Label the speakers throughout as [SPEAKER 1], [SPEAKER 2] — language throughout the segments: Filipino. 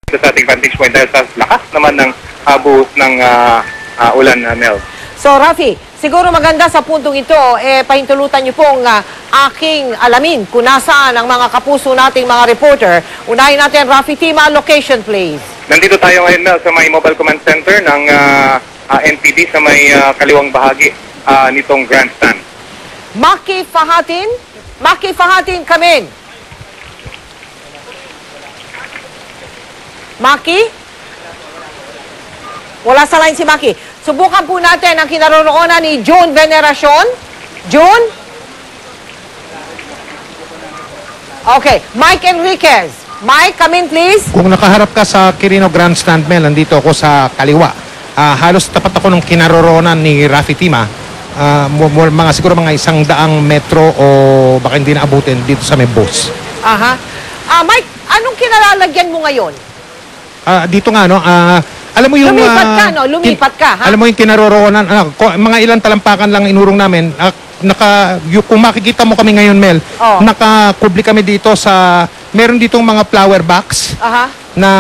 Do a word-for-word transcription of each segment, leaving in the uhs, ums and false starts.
[SPEAKER 1] sa ating vantage point dahil sa lakas naman ng uh, buhos ng uh, uh, ulan, uh, Mel.
[SPEAKER 2] So, Rafi, siguro maganda sa puntong ito, eh, pahintulutan niyo pong uh, aking alamin kung nasaan ang mga kapuso nating mga reporter. Unahin natin, Rafi Tima, location please.
[SPEAKER 1] Nandito tayo ngayon, Mel, sa may mobile command center ng uh, uh, N P D sa may uh, kaliwang bahagi uh, nitong grandstand.
[SPEAKER 2] Maki Fahatin, Maki Fahatin, come in. Maki? Wala sa line si Maki. Subukan po natin ang kinaroroonan ni June Veneracion. June? Okay. Mike Enriquez. Mike, come in please.
[SPEAKER 3] Kung nakaharap ka sa Quirino Grandstand, Mel, nandito ako sa kaliwa. Uh, halos tapat ako ng kinaroroonan ni Rafi Tima. Uh, mga, siguro mga isang daang metro o baka hindi na abutin dito sa may bus.
[SPEAKER 2] Aha. Uh, Mike, anong kinalalagyan mo ngayon?
[SPEAKER 3] Uh, dito nga, no? Uh, alam mo yung...
[SPEAKER 2] Lumipat ka,
[SPEAKER 3] uh,
[SPEAKER 2] no? Lumipat ka, ha?
[SPEAKER 3] Alam mo yung kinaroroonan, uh, mga ilang talampakan lang inurong namin. Uh, naka, yung, kung makikita mo kami ngayon, Mel, oh. Nakakubli kami dito sa... Meron ditong mga flower box. Aha. Na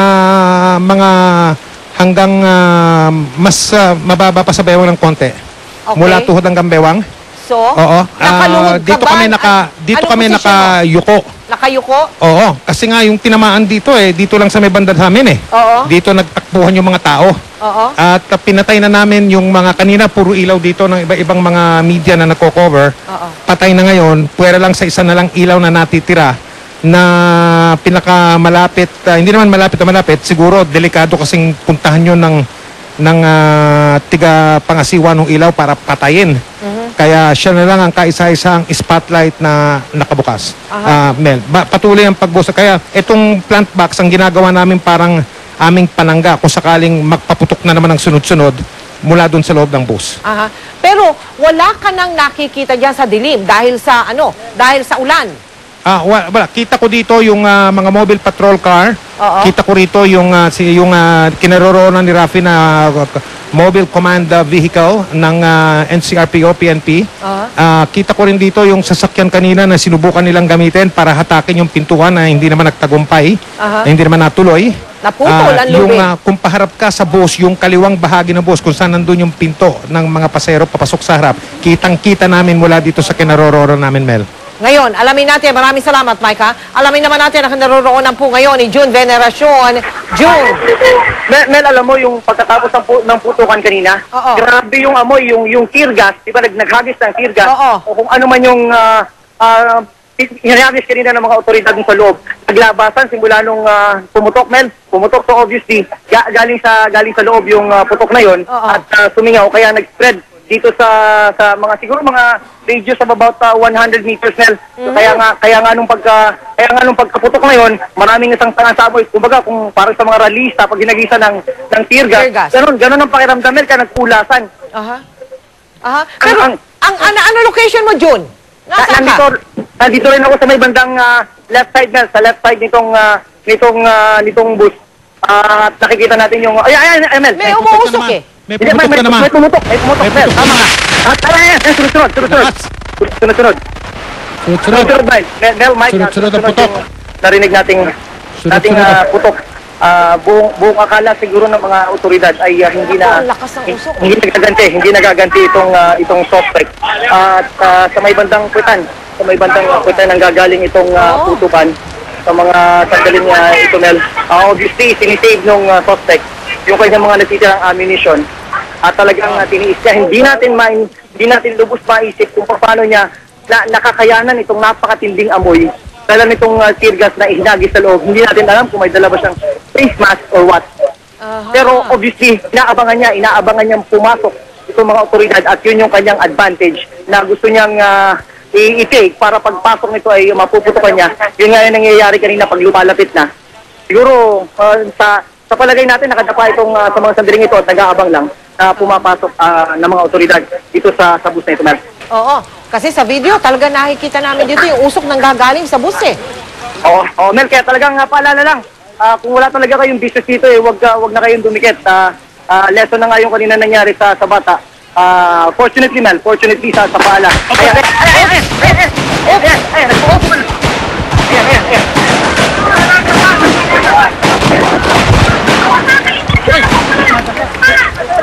[SPEAKER 3] mga hanggang uh, mas uh, mababa pa sa bewang ng konti. Okay. Mula tuhod hanggang bewang. So, oo. Uh, dito kami naka dito ano kami nakayuko.
[SPEAKER 2] Nakayuko?
[SPEAKER 3] Oo, kasi nga yung tinamaan dito eh, dito lang sa may banda namin eh. Oo. Dito nagtakbuhan yung mga tao. Oo. At uh, pinatay na namin yung mga kanina puro ilaw dito ng iba-ibang mga media na nagko-cover. Oo. Patay na ngayon, puwera lang sa isa na lang ilaw na natitira na pinakamalapit, uh, hindi naman malapit na malapit, siguro delikado kasing puntahan yun ng ng uh, tiga pangasiwa ng ilaw para patayin. Uh-huh. Kaya siya na lang ang kaisa-isang spotlight na nakabukas. Uh-huh. uh, Mel, ba, patuloy ang pagbusa. Kaya itong plant box, ang ginagawa namin parang aming panangga kung sakaling magpaputok na naman ng sunod-sunod mula doon sa loob ng bus. Uh-huh.
[SPEAKER 2] Pero wala ka nang nakikita dyan sa dilim dahil sa ano, dahil sa ulan?
[SPEAKER 3] Ah, uh, wala. Kita ko dito yung uh, mga mobile patrol car. Uh-oh. Kita ko rito yung uh, si yung uh, kinaroroonan ni Rafi na uh, mobile command uh, vehicle ng uh, N C R P O P N P. Uh-huh. Uh, kita ko rin dito yung sasakyan kanina na sinubukan nilang gamitin para hatakin yung pintuan na hindi naman nagtagumpay, uh-huh. na hindi naman natuloy.
[SPEAKER 2] Naputol
[SPEAKER 3] uh,
[SPEAKER 2] ang
[SPEAKER 3] yung
[SPEAKER 2] lubid.
[SPEAKER 3] uh, kung paharap ka sa bus, yung kaliwang bahagi ng bus kung saan nandun yung pinto ng mga pasahero papasok sa harap, kitang-kita namin mula dito sa kinaroroonan namin, Mel.
[SPEAKER 2] Ngayon, alamin natin, maraming salamat, Mike, ha? Alamin naman natin ang naroroonan po ngayon ni June Veneracion. June!
[SPEAKER 4] Mel, Mel, alam mo yung pagkatapos ng, pu ng putukan kanina, Oo. grabe yung amoy, yung, yung tear gas, di ba, nag naghagis ng tear gas, Oo. o kung ano man yung uh, uh, hinagis kanina ng mga otoridad sa loob. Naglabasan simula nung uh, pumutok, Mel, pumutok, so obviously, ga galing sa galing sa loob yung uh, putok na yon at uh, sumingaw, kaya nag-spread dito sa sa mga siguro mga radius of about uh, one hundred meters, Mel. So, mm. kaya nga kaya nga nung pagka kaya nga nung pagkaputok na yon, maraming isang tangasaboy. Kumbaga kung para sa mga rallyista pag ginagisa ng ng tear gas. Tear gas. Ganun, ganun ang pakiramdam, Mel, kaya nagkulasan. Aha. Aha. Pero ang, ang, ang ano, ano location mo, June? Nasaan nandito, ka? Nandito rin ako sa may bandang uh, left side, Mel, sa left side nitong uh, nitong uh, nitong bus. Uh, at nakikita natin yung ay ay, ay Mel.
[SPEAKER 2] May umuusok eh.
[SPEAKER 3] May pumutok ka naman.
[SPEAKER 4] May pumutok, may pumutok, Mel. Tama nga. Ah, tara yan. Sunod-sunod, sunod-sunod. Sunod-sunod.
[SPEAKER 3] Sunod-sunod.
[SPEAKER 4] Sunod-sunod, Mel. Mel, Mike.
[SPEAKER 3] Sunod-sunod ang putok.
[SPEAKER 4] Narinig nating nating uh, putok. Uh, buong, buong akala siguro ng mga otoridad ay uh, hindi na hindi nagaganti, hindi nagaganti itong uh, itong suspect. Uh, at uh, sa may bandang puwitan, sa may bandang puwitan ang gagaling itong uh, putukan sa mga sandaling uh, ito, Mel. Uh, obviously, sinisave ng uh, suspect yung kanyang mga natitirang ammunition. At talagang uh, tiniis niya, hindi natin main, hindi natin lubos maisip kung paano niya na, nakakayanan itong napakatinding amoy dala nitong uh, tear gas na ihinagis sa loob. Hindi natin alam kung may dala ba siyang face mask or what. Uh-huh. Pero obviously, inaabangan niya, inaabangan niyang pumasok itong mga otoridad at yun yung kanyang advantage na gusto niyang uh, i-take para pagpasok nito ay mapuputukan niya. Yun nga yung nangyayari kanina pag lumalapit na. Siguro uh, sa sa palagay natin nakadapa itong uh, sa mga sandaling ito at nag-aabang lang na pumapasok uh, ng mga otoridad dito sa, sa bus na ito, Mel.
[SPEAKER 2] Oo, kasi sa video talaga nakikita namin dito yung usok nang gagaling sa bus eh.
[SPEAKER 4] Oo, oh, Mel, kaya talagang uh, paalala lang, uh, kung wala talaga kayong business dito eh, wag, uh, wag na kayong dumikit. Uh, uh, lesson na nga yung kanina nangyari sa, sa bata. Uh, fortunately, Mel, fortunately sa, sa paala. Ayan, ayan, ayan, ayan, ayan, ayan, ayan, ayan, ayan, ayan,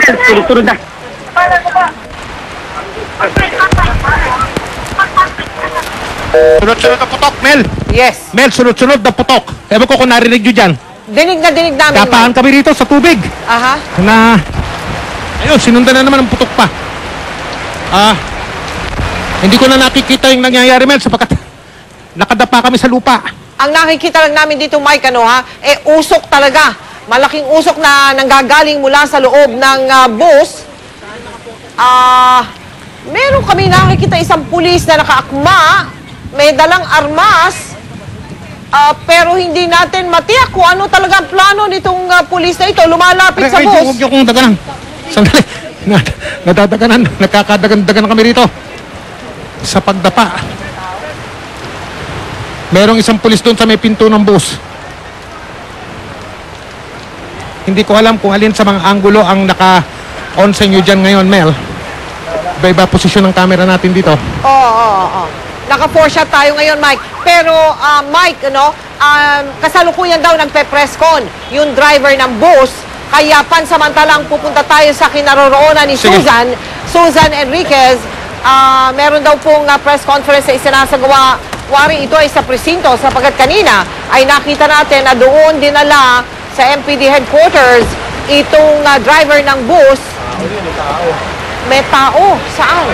[SPEAKER 4] Sunod-sunod na.
[SPEAKER 3] Sunod-sunod na putok, Mel.
[SPEAKER 2] Yes.
[SPEAKER 3] Mel, sunod-sunod na putok. Ewan ko kung narinig nyo dyan.
[SPEAKER 2] Dinig na dinig namin,
[SPEAKER 3] Tapahan
[SPEAKER 2] Mike.
[SPEAKER 3] kami rito sa tubig.
[SPEAKER 2] Aha.
[SPEAKER 3] Na, ayun, sinundan na naman ang putok pa. Ah, hindi ko na nakikita yung nangyayari, Mel, sapagkat nakadapa kami sa lupa.
[SPEAKER 2] Ang nakikita lang namin dito, Mike, ano ha, eh usok talaga. Malaking usok na nanggagaling mula sa loob ng ah, bus. Ah, meron kami nakikita isang pulis na nakaakma, may dalang armas, ah, pero hindi natin matiyak kung ano talaga ang plano nitong ah, pulis na ito. Lumalapit sa
[SPEAKER 3] Ay, ay,
[SPEAKER 2] bus.
[SPEAKER 3] huwag niyo kong daganan. Sandali. Nad- Nadadaganan. Nakakadagan-dagan kami rito. Sa pagdapa. Merong isang pulis doon sa may pinto ng bus. Hindi ko alam kung alin sa mga anggulo ang naka-on sa inyo dyan ngayon, Mel. Iba-iba posisyon ng camera natin dito.
[SPEAKER 2] Oo, oo, oo. Naka-four shot tayo ngayon, Mike. Pero, ah, Mike, ano, um, kasalukuyan daw nagpe-press con yung driver ng bus. Kaya pansamantalang pupunta tayo sa kinaroroonan ni
[SPEAKER 3] Sige.
[SPEAKER 2] Susan, Susan Enriquez. Ah, meron daw pong ah, press conference na isinasagawa. Wari ito ay sa presinto sapagkat kanina ay nakita natin na doon dinala sa M P D headquarters itong ah, driver ng bus. May tao. Saan?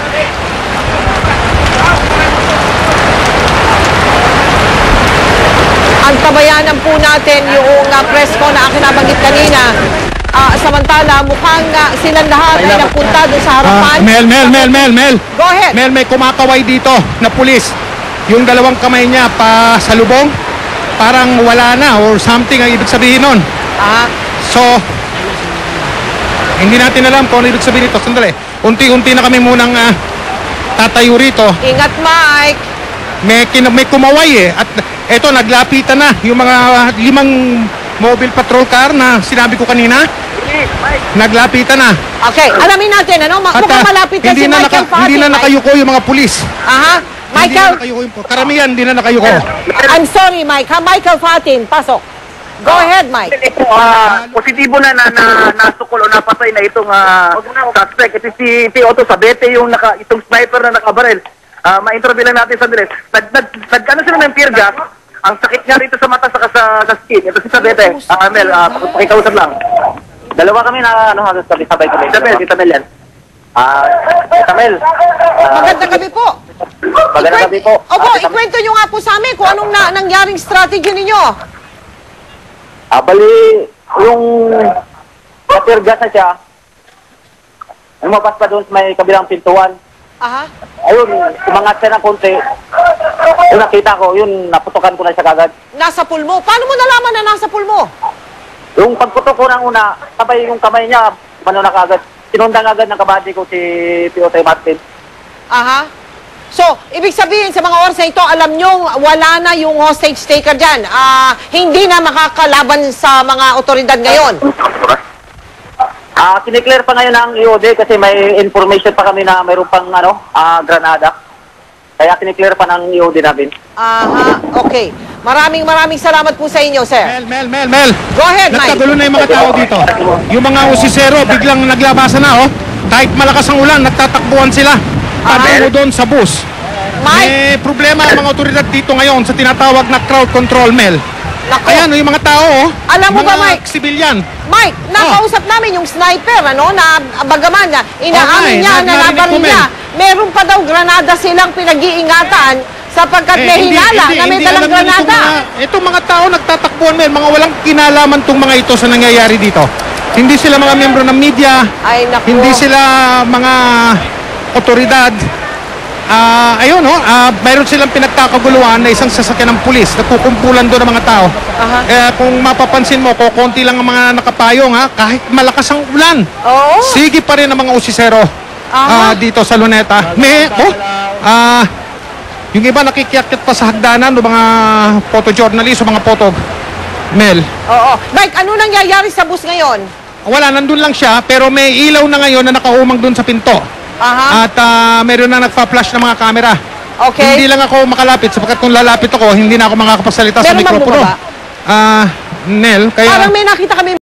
[SPEAKER 2] Antabayanan po natin yung uh, press ko na akin nabanggit kanina. Ah, samantala, mukhang uh, silang lahat ay napunta doon sa
[SPEAKER 3] Ah,
[SPEAKER 2] harapan.
[SPEAKER 3] Mel, Mel, Mel, Mel, Mel.
[SPEAKER 2] Go ahead.
[SPEAKER 3] Mel, may kumakaway dito na pulis. Yung dalawang kamay niya pa sa lubong, parang wala na or something ang ibig sabihin nun.
[SPEAKER 2] Ah,
[SPEAKER 3] So, hindi natin alam kung ano ibig sabihin nito. Sandali, unti-unti na kami munang ah, tatayo rito.
[SPEAKER 2] ingat, Mike.
[SPEAKER 3] May, kin- may kumaway eh. At eto, naglapitan na yung mga limang mobile patrol car na sinabi ko kanina. Naglapitan na.
[SPEAKER 2] Okay, alamin natin, ano? Ma-
[SPEAKER 3] At,
[SPEAKER 2] mukhang
[SPEAKER 3] ah,
[SPEAKER 2] malapit na
[SPEAKER 3] hindi
[SPEAKER 2] si
[SPEAKER 3] na
[SPEAKER 2] Michael
[SPEAKER 3] naka-
[SPEAKER 2] Fati.
[SPEAKER 3] Hindi na
[SPEAKER 2] Mike.
[SPEAKER 3] nakayuko yung mga pulis.
[SPEAKER 2] Aha.
[SPEAKER 3] Hindi na
[SPEAKER 2] Michael,
[SPEAKER 3] nakayuko yung karamihan, hindi na nakayuko.
[SPEAKER 2] I'm sorry, Mike. Ha? Michael Fatin, pasok. Go ahead, Mike.
[SPEAKER 4] Ito, ah, positibo na na, na nasukol o napatay na itong ah, suspect. Ito si, si Otto Sabete, yung naka, itong sniper na nakabarel. Ah, ma-interview lang natin sandali. Nag, nag, nag, ano sila ng tear gas? Ang sakit nga rito sa mata saka sa, sa skin. Ito si Sabete. Ah, Mel, ah, pakikausap lang. Dalawa kami na ano, halos sabi sabay kami. Tita Mel, Tita Mel yan. Ah, Tita Mel. ah,
[SPEAKER 2] Magandang gabi po.
[SPEAKER 4] Magandang gabi po.
[SPEAKER 2] Opo,
[SPEAKER 4] Ah, Tita Mel.
[SPEAKER 2] ikwento nyo nga po sa amin kung anong na, nangyaring strategy ninyo.
[SPEAKER 4] Ah, bali, yung na-tear gas na siya, lumabas pa doon sa may kabilang pintuan.
[SPEAKER 2] Aha.
[SPEAKER 4] Ayun, umangat siya ng konti. Yung nakita ko, yun, naputukan ko na siya kagad.
[SPEAKER 2] Nasa pulmo. Paano mo nalaman na nasa pulmo?
[SPEAKER 4] Yung pagputok ko ng una, sabay yung kamay niya, ano na kagad. Sinundan agad ng kabady ko si P O T Martin.
[SPEAKER 2] Aha. So, ibig sabihin sa mga oras na ito, alam nyo, wala na yung hostage taker dyan. Ah, hindi na makakalaban sa mga otoridad ngayon.
[SPEAKER 4] Ah, kiniklear pa ngayon ng I O D kasi may information pa kami na mayroon pang ano, ah, granada. Kaya kiniklear pa ng I O D namin.
[SPEAKER 2] Aha, okay. Maraming maraming salamat po sa inyo, sir.
[SPEAKER 3] Mel, Mel, Mel, Mel.
[SPEAKER 2] Go ahead, Mike.
[SPEAKER 3] Nagkagulo na yung mga tao dito. Yung mga usisero, biglang naglabasan na, oh. Kahit malakas ang ulan, nagtatakbuhan sila. Patungo doon sa bus.
[SPEAKER 2] Mike,
[SPEAKER 3] May problema ang mga otoridad dito ngayon sa tinatawag na crowd control, Mel.
[SPEAKER 2] Nako.
[SPEAKER 3] Ayan, oh, yung mga tao, oh.
[SPEAKER 2] Alam mo
[SPEAKER 3] mga
[SPEAKER 2] ba, Mike?
[SPEAKER 3] Sibilyan.
[SPEAKER 2] Mike, nakausap namin yung sniper, ano, na bagaman na inaamin
[SPEAKER 3] Okay,
[SPEAKER 2] niya
[SPEAKER 3] nag-
[SPEAKER 2] na
[SPEAKER 3] narinig
[SPEAKER 2] nabaril
[SPEAKER 3] ko,
[SPEAKER 2] niya.
[SPEAKER 3] Mel.
[SPEAKER 2] Meron pa daw granada silang pinag-iingatan sapagkat may
[SPEAKER 3] hindi-
[SPEAKER 2] hinala
[SPEAKER 3] hindi-
[SPEAKER 2] na may
[SPEAKER 3] hindi
[SPEAKER 2] dalang
[SPEAKER 3] alam nila itong
[SPEAKER 2] granada.
[SPEAKER 3] mga- Itong mga tao nagtatakbuhan, Mel. Mga walang kinalaman tong mga ito sa nangyayari dito. Hindi sila mga membro ng media.
[SPEAKER 2] Ay, naku.
[SPEAKER 3] Hindi sila mga otoridad. Ah, ayun, no? Ah, mayroon silang pinagkakaguluhan na isang sasakyan ng pulis. Nagkukumpulan doon ng mga tao.
[SPEAKER 2] Aha.
[SPEAKER 3] Eh, kung mapapansin mo, kukunti lang ang mga nakapayong, ha? Kahit malakas ang ulan.
[SPEAKER 2] Oo.
[SPEAKER 3] Sige pa rin ang mga usisero
[SPEAKER 2] Aha.
[SPEAKER 3] ah, dito sa Luneta. May, oh, ah, yung iba nakikiakit pa sa hagdanan, ng mga photojournalist o mga photog. Mel,
[SPEAKER 2] Oo. Mike, ano nangyayari sa bus ngayon?
[SPEAKER 3] wala, nandun lang siya, pero may ilaw na ngayon na nakaumang dun sa pinto.
[SPEAKER 2] Aha.
[SPEAKER 3] At ah, meron na nagpa-flash ng mga camera.
[SPEAKER 2] Okay.
[SPEAKER 3] Hindi lang ako makalapit, sapagkat kung lalapit ako, hindi na ako makakapagsalita sa
[SPEAKER 2] Meron bang
[SPEAKER 3] mikropono.
[SPEAKER 2] bumaba?
[SPEAKER 3] Ah, Nel, kaya...
[SPEAKER 2] Parang may nakita kami